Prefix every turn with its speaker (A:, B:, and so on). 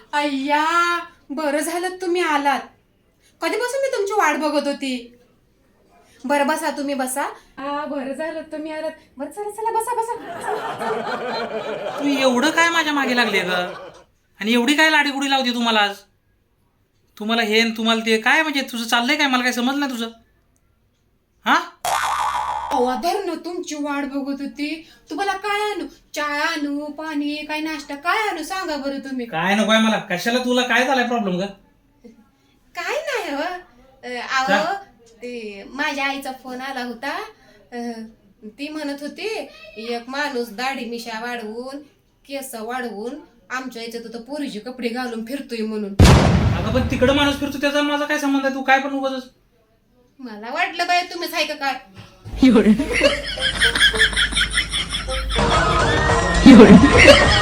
A: अय्या, बरं झालं तुम्ही आलात. कधीपासून मी तुमची वाट बघत होती. बरं बसा, तुम्ही बसा. बरं झालं तुम्ही आलात. बरं चला चला बसा बसा.
B: तू एवढं काय माझ्या मागे लागले ग? आणि एवढी काय लाडीगुडी लावते तुम्हाला आज? तुम्हाला हे न तुम्हाला ते काय म्हणजे तुझं चाललंय काय? मला काय समजलं नाही तुझं. हा
A: धरण तुमची वाट बघत होती. तुम्हाला काय आणू? चहा आणू, पाणी, काय नाश्ता काय आणू सांगा बरं तुम्ही.
B: काय नकोय मला. कशाला तुला काय झालाय प्रॉब्लेम ग?
A: काय नाही हो. अहो ते माझ्या आईचा फोन आला होता. ती म्हणत होती एक माणूस दाढी मिशा वाढवून केस वाढवून आमच्या याच्यात तर पोरीचे कपडे घालून फिरतोय म्हणून.
B: अगं पण तिकडं माणूस फिरतो त्याचा माझा काय संबंध आहे? तू काय पण उगाच.
A: मला वाटलं बाय तुम्हीच आहे का काय.
C: 有人，有人。